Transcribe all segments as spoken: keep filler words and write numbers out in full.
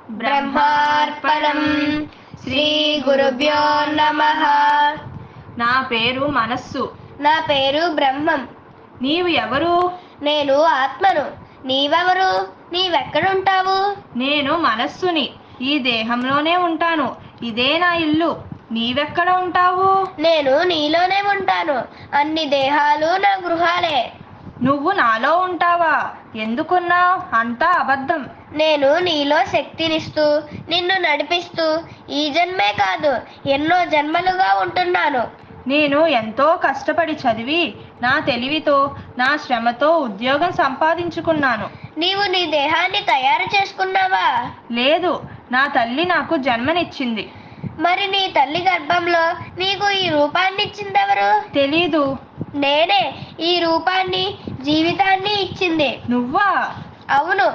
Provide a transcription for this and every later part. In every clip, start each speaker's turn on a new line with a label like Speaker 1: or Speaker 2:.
Speaker 1: బ్రహ్మార్పణం. శ్రీ గురుభ్యో నమః.
Speaker 2: నా పేరు మనస్సు.
Speaker 1: నా పేరు బ్రహ్మం.
Speaker 2: నీవు ఎవరు?
Speaker 1: నేను ఆత్మను. నీవెవరు? నీవెక్కడుంటావు?
Speaker 2: నేను మనస్సుని. ఈ దేహంలోనే ఉంటాను. ఇదే నా ఇల్లు. నీవెక్కడ ఉంటావు?
Speaker 1: నేను నీలోనే ఉంటాను. అన్ని దేహాలు నా గృహాలే.
Speaker 2: నువ్వు నాలో ఉంటావా? ఎందుకున్నావు? అంతా అబద్ధం.
Speaker 1: నేను నీలో శక్తినిస్తూ నిన్ను నడిపిస్తూ ఈ జన్మే కాదు ఎన్నో జన్మలుగా ఉంటున్నాను.
Speaker 2: నేను ఎంతో కష్టపడి చదివి నా తెలివితో నా శ్రమతో ఉద్యోగం సంపాదించుకున్నాను.
Speaker 1: నీవు నీ దేహాన్ని తయారు చేసుకున్నావా?
Speaker 2: లేదు, నా తల్లి నాకు జన్మనిచ్చింది.
Speaker 1: మరి నీ తల్లి గర్భంలో నీకు ఈ రూపాన్ని ఇచ్చిందెవరు?
Speaker 2: తెలీదు.
Speaker 1: నేనే ఈ రూపాన్ని జీవితాన్ని ఇచ్చింది.
Speaker 2: నువ్వా?
Speaker 1: అవును.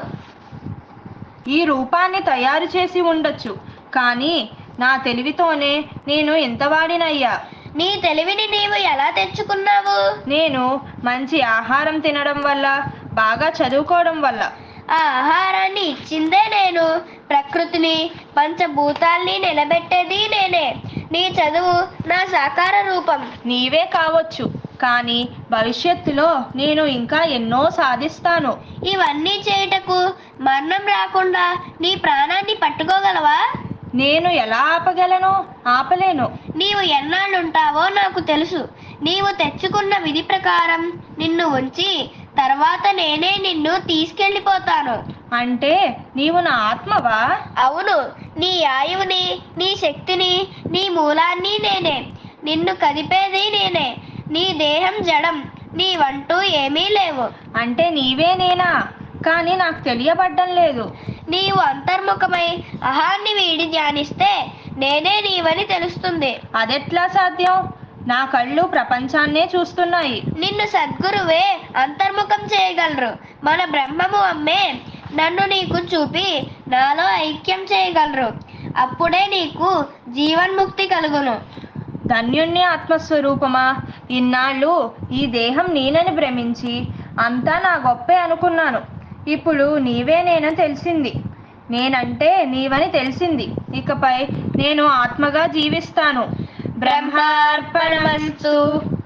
Speaker 2: ఈ రూపాన్ని తయారు చేసి ఉండొచ్చు, కానీ నా తెలివితోనే నేను ఇంతవాడినయ్యా.
Speaker 1: నీ తెలివిని నీవు ఎలా తెచ్చుకున్నావు?
Speaker 2: నేను మంచి ఆహారం తినడం వల్ల, బాగా చదువుకోవడం వల్ల.
Speaker 1: ఆ ఆహారాన్ని ఇచ్చిందే నేను. ప్రకృతిని పంచభూతాల్ని నిలబెట్టేది నేనే. నీ చదువు నా సాకార రూపం.
Speaker 2: నీవే కావచ్చు, కానీ భవిష్యత్తులో నేను ఇంకా ఎన్నో సాధిస్తాను.
Speaker 1: ఇవన్నీ చేయుటకు మరణం రాకుండా నీ ప్రాణాన్ని పట్టుకోగలవా?
Speaker 2: నేను ఎలా ఆపగలను? ఆపలేను.
Speaker 1: నీవు ఎన్నాళ్ళుంటావో నాకు తెలుసు. నీవు తెచ్చుకున్న విధి ప్రకారం నిన్ను ఉంచి తర్వాత నేనే నిన్ను తీసుకెళ్ళిపోతాను.
Speaker 2: అంటే నీవు నా ఆత్మవా?
Speaker 1: అవును. నీ ఆయువుని, నీ శక్తిని, నీ మూలాన్ని నేనే. నిన్ను కదిపేది నేనే. నీ దేహం జడం. నీవంటూ ఏమీ లేవు.
Speaker 2: అంటే నీవే నేనా? కానీ నాకు తెలియబడ్డం లేదు.
Speaker 1: నీవు అంతర్ముఖమై అహాన్ని వీడి ధ్యానిస్తే నేనే నీవని తెలుస్తుంది.
Speaker 2: అదెట్లా సాధ్యం? నా కళ్ళు ప్రపంచాన్నే చూస్తున్నాయి.
Speaker 1: నిన్ను సద్గురువే అంతర్ముఖం చేయగలరు. మన బ్రహ్మము అమ్మే నన్ను నీకు చూపి నాలో ఐక్యం చేయగలరు. అప్పుడే నీకు జీవన్ముక్తి కలుగును.
Speaker 2: ధన్యుణ్ణి ఆత్మస్వరూపమా. ఇన్నాళ్ళు ఈ దేహం నేనని భ్రమించి అంతా నా గొప్పే అనుకున్నాను. ఇప్పుడు నీవే నేనని తెలిసింది. నేనంటే నీవని తెలిసింది. ఇకపై నేను ఆత్మగా జీవిస్తాను.
Speaker 1: బ్రహ్మార్పణమస్తు.